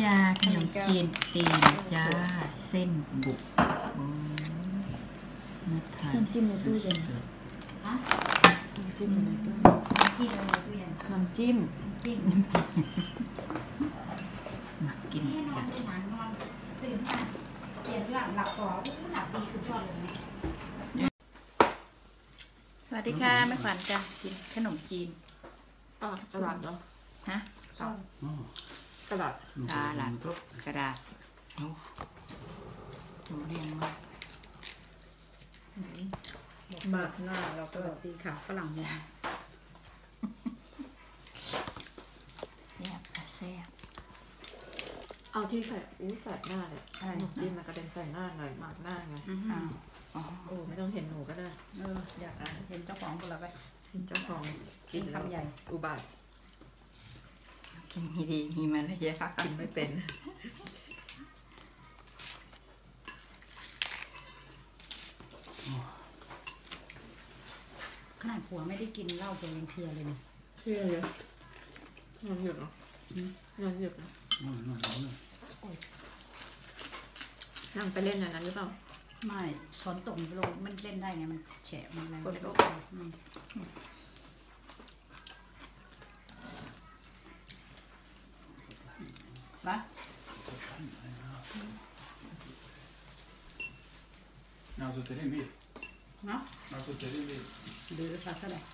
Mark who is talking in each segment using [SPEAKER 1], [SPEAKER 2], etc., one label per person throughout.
[SPEAKER 1] ยาขนมจีนเองจ้าเส้นบุกน้ำจิ้มในตู้เย็นน้ำจิ้มในตู้เย็นน้ำจิ้มมากินกันสวัสดีค่ะแม่ขวัญจ้ะกินขนมจีน
[SPEAKER 2] กระดาษเหรอ
[SPEAKER 1] ฮะ
[SPEAKER 2] กระดาษ
[SPEAKER 1] กระดาษเอาดูเรียงมา
[SPEAKER 2] บาดหน้าเราก็ตีขาฝรั่งมอง
[SPEAKER 1] แซ่บค่ะแซ่บ
[SPEAKER 2] เอาที่ใส่ใส่หน้าเลยจิ้มมากระเด็นใส่หน้าหน่อยหมากหน้าไงโอ้ไม่ต้องเห็นหนูก็ได้
[SPEAKER 3] อยากเห็นเจ้าของคนละไป
[SPEAKER 2] เห็นเจ้าของ
[SPEAKER 3] กินคำใหญ่
[SPEAKER 2] อุบาท
[SPEAKER 1] กินดีมีมารยาท
[SPEAKER 2] กินไม่เป็น
[SPEAKER 3] ขนาดผัวไม่ได้กินเหล้าตัวยังเพลียเลยเนี่ย
[SPEAKER 2] เพลียเลยนอนหยุดเนาะนอนหยุดนะนั่งไปเล่นอย่างนั้นหรือเปล่า
[SPEAKER 3] ไม่ฝนตกลงมันเล่นได้ไงมันแฉะมันอะไร
[SPEAKER 2] ฝนตก
[SPEAKER 3] ปะ
[SPEAKER 4] Alltså till din bil.
[SPEAKER 3] Ja.
[SPEAKER 4] Alltså till din bil.
[SPEAKER 3] ดูภาษาอะไร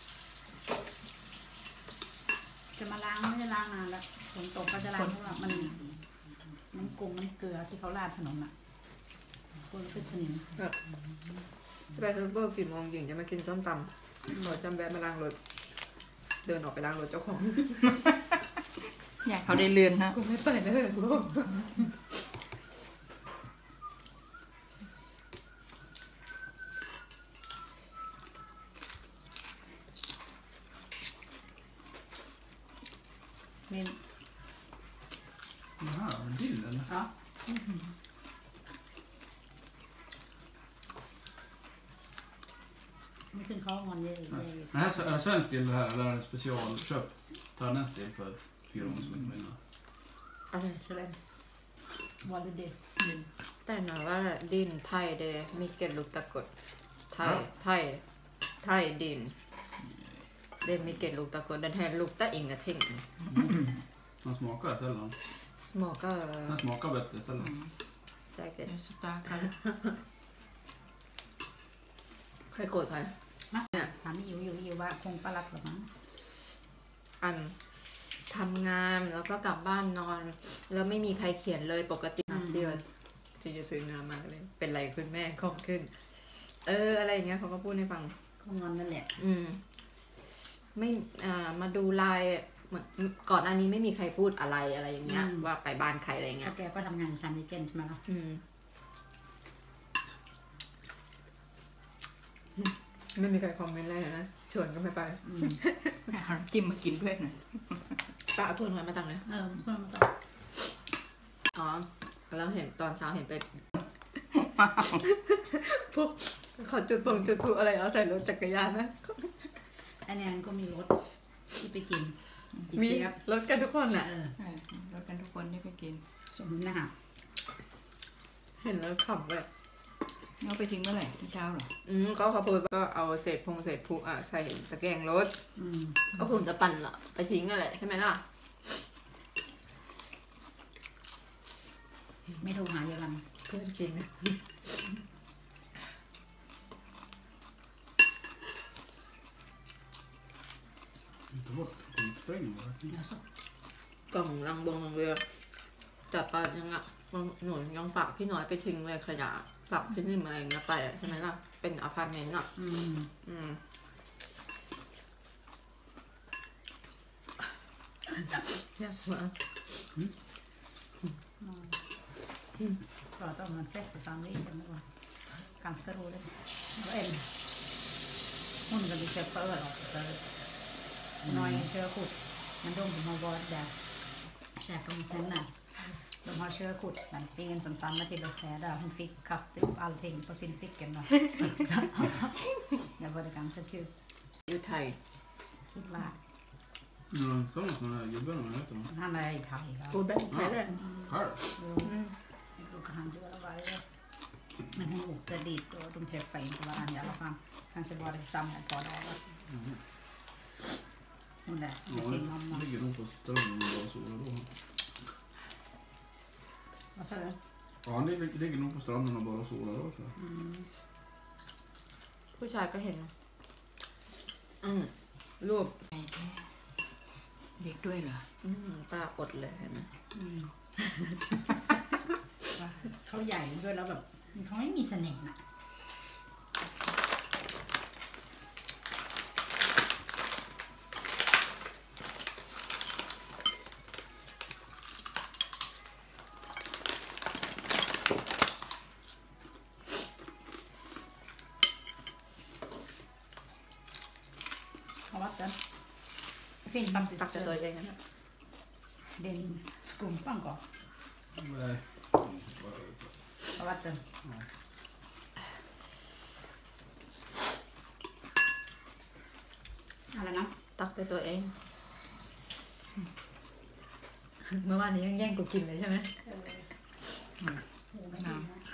[SPEAKER 3] จะมาล้างไม่ได้ล้างนานแล้วฝนตกก็จะล้างเพราะว่ามันน้ำกุ้งน้ำเกลือที่เขาราดถนนอ่ะกุ้งเป็นสนิม
[SPEAKER 2] ไปเซิร์ฟเวอร์กี่โมงหญิงจะมากินส้มตำหมอจำแวะมาล้างรถเดินออกไปล้างรถเจ้าของ
[SPEAKER 1] อยากเขาได้เรือนฮะ
[SPEAKER 2] กูไม่เปิดเลยกู
[SPEAKER 3] นี่
[SPEAKER 4] Jaha, en till eller?
[SPEAKER 3] Ja. Det kan komma en del.
[SPEAKER 4] Men här är det svensk bil det här eller är det specialköpt thailändsk bil för 4 år sedan innan?
[SPEAKER 3] อะไรแสดงวันเด็ก
[SPEAKER 2] แต่หนาว่าดินไทยเดมีเกล็ดลูกตะกดไทยดินเดมีเกล็ดลูกตะกดden här luktar ingenting
[SPEAKER 4] Den smakar sällan. Den smakar bättre sällan.
[SPEAKER 2] Säkert. ใครโกรธใคร
[SPEAKER 3] เนี่ยถามอยู่ว่าคงปลักหรือมั้ง
[SPEAKER 2] ทำงานแล้วก็กลับบ้านนอนแล้วไม่มีใครเขียนเลยปกติเดียวที่จะซื้อเนื้อมาเลยเป็นไรคุณแม่ของขึ้นอะไรอย่างเงี้ยเขาก็พูดให้ฟัง
[SPEAKER 3] เขางอนนั่นแหละ
[SPEAKER 2] ไม่มาดูไลน์เหมือนก่อนอันนี้ไม่มีใครพูดอะไรอย่างเงี้ยว่าไปบ้านใครอะไรเงี้ย
[SPEAKER 3] แกก็ทำงานซันดิเจนใช่ไหมล่ะ
[SPEAKER 2] ไม่มีใครคอมเมนต์อะไรนะชวนก็ไม่ไป
[SPEAKER 1] หาจิ้มมากินเพื่อนนะ
[SPEAKER 2] ป้าเอาถ้วยหอยมาตังเลย
[SPEAKER 3] เพื่อนมาตัง
[SPEAKER 2] อ๋อแล้วเห็นตอนเช้าเห็นไปพวกขอจุดพลุอะไรเอาใส่รถจักรยานนะ
[SPEAKER 3] อันนี้ก็มีรถที่ไปกิน
[SPEAKER 2] มีรถกันทุกคนแหละ
[SPEAKER 1] รถกันทุกคนที่ไปกิน
[SPEAKER 3] สมหน้า
[SPEAKER 2] เห็นแล้วขับแบบ
[SPEAKER 1] เอาไปทิ้งเมื่อไหร่ที่เช้าหรอ
[SPEAKER 2] ก็เขาพูดก็เอาเศษพลุใส่ตะแกรงรถก็คงจะปั่นละไปทิ้งอะไรใช่ไหมล่ะ
[SPEAKER 3] ไม่โทรหาเยอรมัน
[SPEAKER 2] เพื่อนจริงกล่องลังเรือจับปลายังอ่ะหนูยังฝากพี่น้อยไปทิ้งเลยขยะฝากพี่นิ่มอะไรเงี้ยไปใช่ไหมล่ะเป็นอพาร์ตเมนต์อ่ะยากมาก
[SPEAKER 3] pratar om en fest i Sandviken det var ganska roligt hon ville köpa öl för några körkort men de har varit där käkat med senare de har körkort men ingen som samlar till att städa hon fick kasta upp allting på sin cykel det var det ganska kul
[SPEAKER 2] อยู่ไทย
[SPEAKER 3] คิดว่า
[SPEAKER 4] Sådana här gubbarna, vad heter de?
[SPEAKER 3] Han är i Thai. Ja.
[SPEAKER 2] Går bäst med det.
[SPEAKER 4] Här.
[SPEAKER 3] Då brukar han göra varje. Men hon åkte dit och de träffade inte varandra i alla fall. Kanske var det samma ett par dagar. Hon där med sin mamma.
[SPEAKER 4] Ja, ligger nog på stranden och bara solar då.
[SPEAKER 3] Vad sa du?
[SPEAKER 4] Ja, han ligger nog på stranden och bara solar då, tror jag.
[SPEAKER 2] ผู้ชายก็เห็นรูป
[SPEAKER 3] เด็กด้วยเหรอ
[SPEAKER 2] ตาอดเลยเห็นไหม
[SPEAKER 3] เขาใหญ่ด้วยแล้วแบบเขาไม่มีเสน่ห์น่ะFinns man
[SPEAKER 2] tack för att jag är
[SPEAKER 3] den skumpan går.
[SPEAKER 4] Nej.
[SPEAKER 3] Har vatten. Alla namn.
[SPEAKER 2] ตักไปตัวเอง เมื่อวานนี้ยังแย่งกูกินเลยใช่ไหม
[SPEAKER 3] โอ้ไม่ดีนะ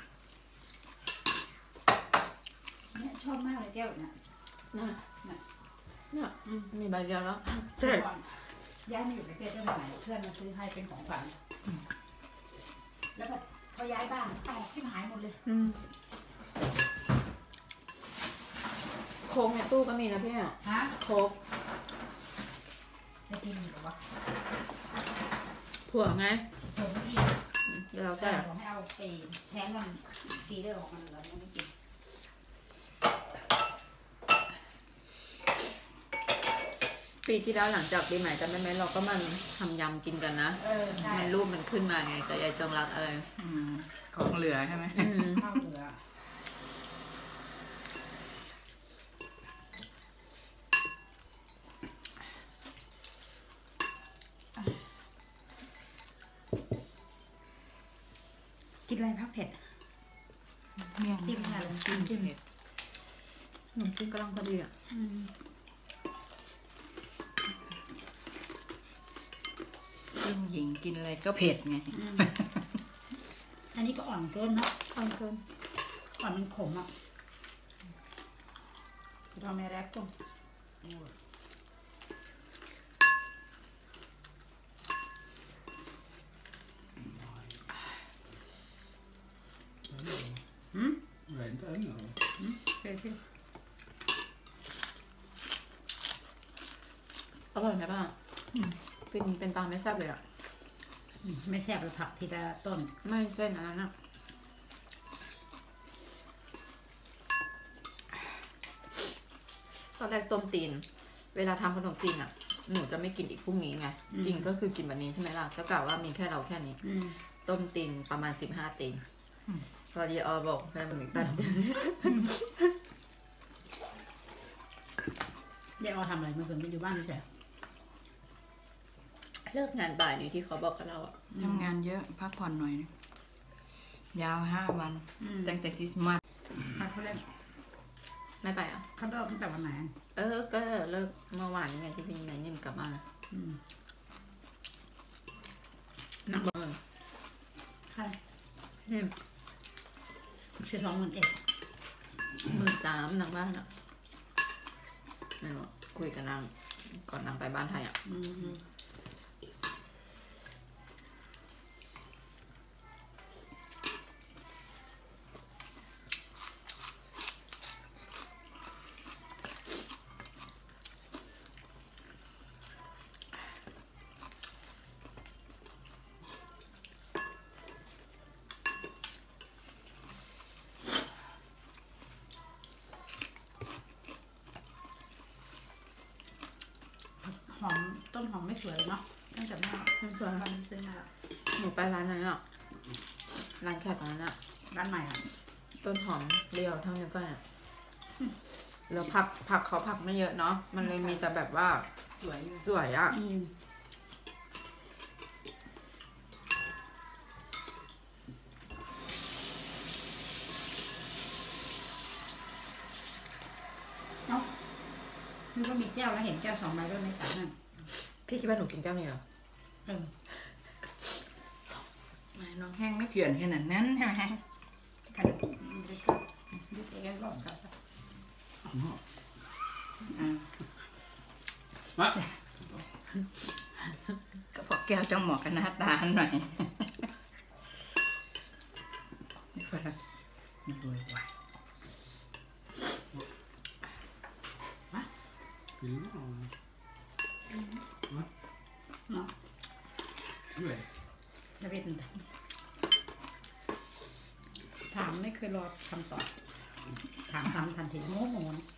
[SPEAKER 3] เนี่ยชอบมากเลยแก้วเนี่ย
[SPEAKER 2] เนี่ยมีใบเดียวแล้ว
[SPEAKER 3] ก่อนย้ายมาอยู่ในประเทศได้เมื่อไหร่เพื่อนมาซื้อให้เป็นของขวัญแล้วแบบพอย้ายบ้านแตกชิบหายหมดเลย
[SPEAKER 2] โค้กในตู้ก็มีนะพี่อ่ะ
[SPEAKER 3] ฮะ
[SPEAKER 2] โค้ก
[SPEAKER 3] จะกินหรือวะ
[SPEAKER 2] ผัวไง
[SPEAKER 3] ผมไม่กิน
[SPEAKER 2] แล้ว
[SPEAKER 3] แต่
[SPEAKER 2] แต่
[SPEAKER 3] ผมไม่เอาไอ้แทนมันซีเรียลของมันเหรอไม่กิน
[SPEAKER 2] ปีที่แล้วหลังจากปีใหม่จำได้ไหมเราก็มันทำยำกินกันนะ
[SPEAKER 3] ใช่
[SPEAKER 2] มันรูปมันขึ้นมาไงกับยายจงรักอะไร
[SPEAKER 5] ของเหลือใช่ไหม
[SPEAKER 3] ข้าวเหลือกินอะไรพักเผ็ด
[SPEAKER 5] เมี่ยง
[SPEAKER 3] จิ้มอะไรเลย
[SPEAKER 5] จิ้มเผ็ด
[SPEAKER 2] ขนมจีนกำลังพอดีอ่ะ
[SPEAKER 5] ซึ่งหญิงกินอะไรก็เผ็ดไง
[SPEAKER 3] อันนี้ก็อ่อนเกินเนาะ
[SPEAKER 2] อ่อนเกิน
[SPEAKER 3] อ่อนมันขมอ่ะเราไม่แรกกุ้ง
[SPEAKER 4] Nej, inte ännu.
[SPEAKER 3] เผ็ดพี่
[SPEAKER 2] อร่อยไหมป้าเป็นตาไม่แซ่บเลยอ่ะ
[SPEAKER 3] ไม่แซ่บเลยผักทีละต้น
[SPEAKER 2] ไม่เส้นอันนั้นอ่ะตอนแรกต้มตีน เวลาทำขนมจีนอ่ะ หนูจะไม่กินอีกพรุ่งนี้ไง จริงก็คือกินวันนี้ใช่ไหมล่ะ ก็กล่าวว่ามีแค่เราแค่นี้ ต้มตีนประมาณ15 ตีนพอดีออบอกแม่มันอีกตัด
[SPEAKER 3] เดี๋ยวเอาทำอะไรเมื่อคืนไม่อยู่บ้านใช่
[SPEAKER 2] เลิกงานบ่ายนี่ที่เขาบอกกับเราอ่ะ
[SPEAKER 5] ทำงานเยอะพักผ่อนหน่อยนะยาว5 วันตั้งแต่คริสต์มาส
[SPEAKER 3] เขาเล่น
[SPEAKER 2] ไม่ไปอ่ะ
[SPEAKER 3] เขาเลิกตั้งแต่วันไหน
[SPEAKER 2] ก็เลิกเมื่อวานนี้ไงที่พี่นายนิ่มกลับมานักบอล
[SPEAKER 3] ใคร
[SPEAKER 2] นิ่ม
[SPEAKER 3] 12,000
[SPEAKER 2] 13,000นางบ้านอ่ะไม่รู้คุยกับนางก่อนนางไปบ้านไทยอ่ะ
[SPEAKER 3] หอมต้นหอมไม่สวยเนาะตั้งแต่แม่
[SPEAKER 2] ไม่สวย
[SPEAKER 3] วันนี้ซื้อมาละ
[SPEAKER 2] หนูไปร้านนั้นอ่ะร้านแขกร้านนั้นอ่ะ
[SPEAKER 3] ร้านใหม่อ่ะ
[SPEAKER 2] ต้นหอมเรียวเท่านี้ก็อ่ะแล้วผักเขาผักไม่เยอะเนาะมันเลยมีแต่แบบว่า
[SPEAKER 3] สวยอยู่
[SPEAKER 2] สวยอ่ะ
[SPEAKER 3] เนาะคือก็มีแก้วแล้วเห็นแก้ว2 ใบด้วยไม่ต่างกัน
[SPEAKER 2] พี่คิดว่าหนูกินแก้วนี้เหรอ
[SPEAKER 5] น้องแห้งไม่เถื่อนขนาดนั้นใช่ไหมแห้ง
[SPEAKER 3] Kan du dricka ditt egen glas kaffe?
[SPEAKER 4] Va?
[SPEAKER 5] ก็พอแก้วจะเหมาะกับหน้าตาหน่อยนี่ฝรั่งมีรวยว่ะ
[SPEAKER 4] Vill du ha? Va?
[SPEAKER 3] Ja.
[SPEAKER 4] Nej.
[SPEAKER 3] Jag vet inte. ถามไม่เคยรอคำตอบถามซ้ำทันทีโมโหนะ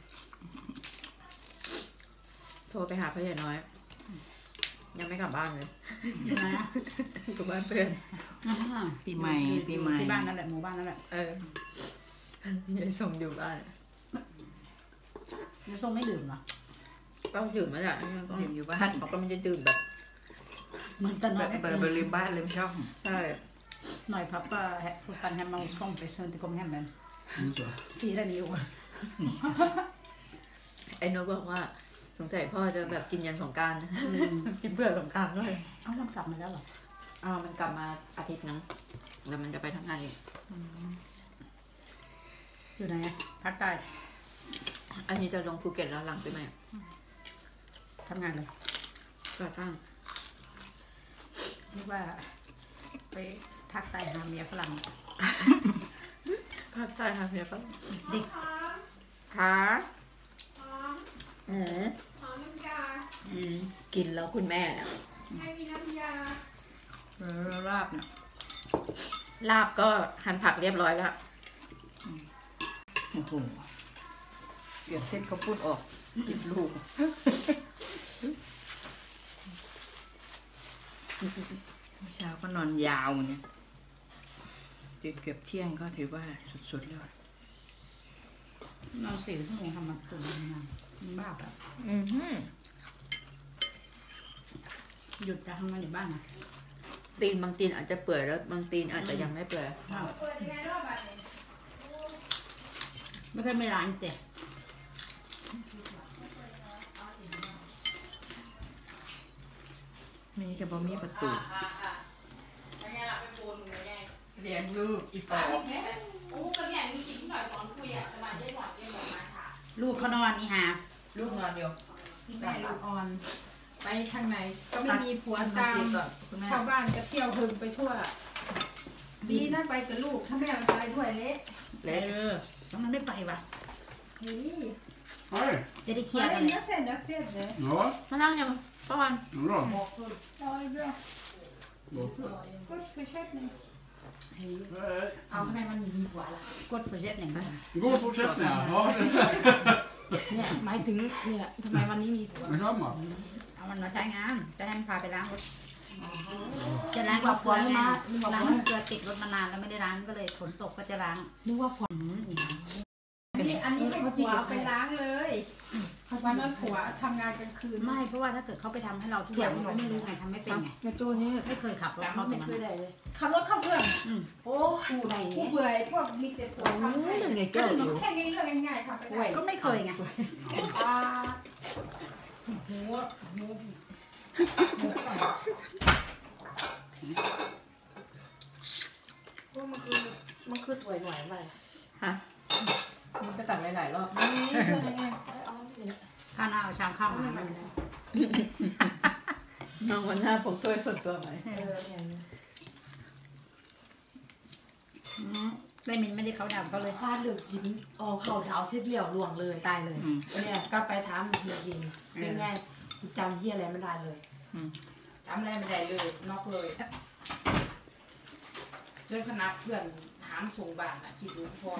[SPEAKER 2] โทรไปหาพ่อใหญ่น้อย ยังไม่กลับบ้านเลย
[SPEAKER 3] นะ
[SPEAKER 2] กลับบ้านเพื่อน
[SPEAKER 5] ปีใหม่ปีใหม่
[SPEAKER 3] ที่บ้านนั่นแหละหมู่บ้านนั่นแหละ
[SPEAKER 2] ยายส่งอยู่บ้าน
[SPEAKER 3] จะส่งไม่ดื่มเหรอ
[SPEAKER 2] ต้องดื่มมาจาก
[SPEAKER 5] ดื่มอยู่บ้าน
[SPEAKER 2] เขาก็ไม่ได้ดื่มแบบ
[SPEAKER 3] เหมือนกัน
[SPEAKER 5] แบ
[SPEAKER 3] เนาะ
[SPEAKER 5] บเบอร์ลืมบ้านลืมช่อง
[SPEAKER 2] ใช่
[SPEAKER 3] หน่อยpappa fortfarande hemma hos kompis och inte kom hem än.
[SPEAKER 4] Nu så.
[SPEAKER 3] Firar ni i år?
[SPEAKER 2] ไอ้นกบอกว่าสงสัยพ่อจะแบบกินยันสงกรานต์ กินเบื่อสงกรานต์ด้วย
[SPEAKER 3] เอ้ามันกลับมาแล้วเหรอ
[SPEAKER 2] มันกลับมาอาทิตย์นึงแล้วมันจะไปทำงานอีก
[SPEAKER 3] อยู่ไหนอะภาคใต้
[SPEAKER 2] อันนี้จะลงภูเก็ตแล้วหลังไปไหม
[SPEAKER 3] ทำงานเลย
[SPEAKER 2] ก่อสร้าง
[SPEAKER 3] นึกว่าไปภาคใต้หาเมียฝรั่ง
[SPEAKER 2] ภาคใต้ค่ะเพียปะ
[SPEAKER 3] เด็ก
[SPEAKER 2] ขา
[SPEAKER 3] 嗯
[SPEAKER 2] กินแล้วคุณแม่เนี่ย
[SPEAKER 5] ลาบเนี่ย
[SPEAKER 2] ลาบก็หั่นผักเรียบร้อยแล้ว
[SPEAKER 5] โอ้โหเปลี่ยนเส้นเขาพูดออกผิดลูกเมื่อเช้าก็นอนยาวเนี่ยตื่นเกือบเที่ยงก็ถือว่าสุดๆแล้ว
[SPEAKER 3] นอน4 ชั่วโมงทำมาตื่นทำงานมันบ้าแบบ หยุดจะทำงานอยู่บ้านนะ
[SPEAKER 2] ตีนบางตีนอาจจะเปื่อยแล้วบางตีนอาจจะยังไม่เปื่อย
[SPEAKER 3] ไม่เคยไม่ร้านเจ๊
[SPEAKER 5] มีกับบอมีประตูเลี้ยงลูกอีปอบ
[SPEAKER 3] ลูกเขานอนนี่ฮะ
[SPEAKER 2] ลูกนอนอยู่
[SPEAKER 6] แม่ลูกอ่อน ไปทางไหนก็ไม่มีผัว
[SPEAKER 2] ตา
[SPEAKER 6] ตาม ม
[SPEAKER 2] ก่อนคุณแม่
[SPEAKER 6] ชาวบ้านก็เที่ยวหึงไปทั่ว ดีนะไปกับลูกถ้าแม่ไปด้วยเละ
[SPEAKER 2] เล็ก
[SPEAKER 3] แล้วมันไม่ไปวะ
[SPEAKER 6] เฮ้ย
[SPEAKER 4] Hej.
[SPEAKER 3] จะได้เคลีย
[SPEAKER 6] มา
[SPEAKER 3] ร์กัน
[SPEAKER 6] เล่นนะเสร็จแล้วเสร็จเลย
[SPEAKER 4] Ja,
[SPEAKER 2] มานั่งยังป้าวัน
[SPEAKER 4] bra.
[SPEAKER 6] เอาเรื่อง
[SPEAKER 4] Varför?
[SPEAKER 6] กดคือเช็ดนี่
[SPEAKER 4] Hej.
[SPEAKER 6] เอาทำไมมันมีผัวล่ะ
[SPEAKER 3] กดเฟอร์เซ็ตอย่างนั้น
[SPEAKER 4] God fortsättning. Ja,
[SPEAKER 6] เนี่ยหมายถึงเนี่ยทำไมวันนี้มีผัว
[SPEAKER 4] detsamma.
[SPEAKER 3] เอามันมาใช้งานจะให้มันพาไปล้างรถจะล้าง
[SPEAKER 6] ว่า
[SPEAKER 3] กับ
[SPEAKER 6] ผั
[SPEAKER 3] เก
[SPEAKER 6] ว
[SPEAKER 3] ลือ
[SPEAKER 6] มา
[SPEAKER 3] ล้างเกลือติดรถมานานแล้วไม่ได้ล้างก็เลยฝนตกก็จะล้าง
[SPEAKER 6] นึกว่าผัวอันนี้ไม่ผัวไปล้างเลยวันนั้นผัวทำงานกลางคืน
[SPEAKER 3] ไม่เพราะว่าถ้าเกิดเขาไปทำให้เราทุกอย่างเราก็ไม่รู้ไงทำไม่เป็นไง
[SPEAKER 6] กระโจนนี่
[SPEAKER 3] ไม่เคยขับรถเข้าตรงนั้น
[SPEAKER 6] ขับรถเข้าเพื่อน
[SPEAKER 3] อืม
[SPEAKER 6] โอ้ผู้ใดผู้เบื่อพวกมีแต่ผัวทำให้
[SPEAKER 2] ยังไง
[SPEAKER 6] ก็
[SPEAKER 2] เจ้า
[SPEAKER 6] ถึ
[SPEAKER 2] อง ยู่
[SPEAKER 6] แค่นี้เรื่องง่ายๆทำไปได้
[SPEAKER 3] ก็ไม่เคยไง
[SPEAKER 6] อ่าหัวมันคือตัวหน่อยไป
[SPEAKER 2] ฮะมันไปตักหลายๆรอบ
[SPEAKER 6] นี่เรื่องยังไงเอา
[SPEAKER 3] ข้าวหน้าเอาชามข้าวมาให้มัน
[SPEAKER 2] น้องวันหน้าผมถ้วยส่วนตัวไหม
[SPEAKER 3] ได้มินไม่ได้เขาดำเขาเลย
[SPEAKER 6] พลาดเหลือกินอ๋อเข่าดาวเส้นเหลี่ยวหลวงเลย
[SPEAKER 3] ตายเลย
[SPEAKER 6] เนี่ยก็ไปถามเฮียยินเป็นไงจำเฮียอะไรไม่ได้เลยจำอะไรไม่ได้เลยนอกเลยเรื่องคณะเพื่อนถามส่งบ้านคิดดูพ่อ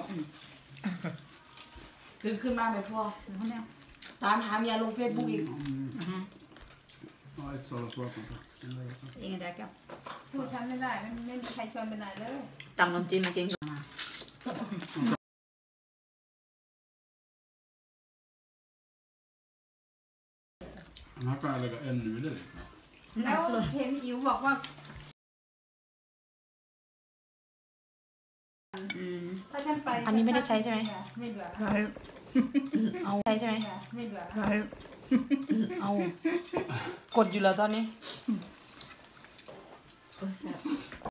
[SPEAKER 6] ตื่นขึ้นมาไหมพ่อ
[SPEAKER 3] เขาเนี่ย
[SPEAKER 6] ตามหาเมียลงเฟซบุ๊กอีก
[SPEAKER 4] Ja, ett sådant svar på det.
[SPEAKER 3] เองได้แก้ว
[SPEAKER 6] สู้ฉันไม่ได้ไม่มีใครชวนไปไหนเลย
[SPEAKER 2] ตำน้ำจิ้มมากิน
[SPEAKER 4] Han kan lägga ännu i det.
[SPEAKER 6] แล้วเห็นอิ๋วบอกว่า ถ้าฉันไป
[SPEAKER 5] อันนี้ไม่ได้ใช้ใช่ไหม
[SPEAKER 6] ไม่เบื่อ
[SPEAKER 5] เอาใช่ใช่ไหม
[SPEAKER 6] ไม่เบื่อ
[SPEAKER 5] ใช่
[SPEAKER 1] เอากดอยู่แล้วตอนนี้
[SPEAKER 2] แซ่บ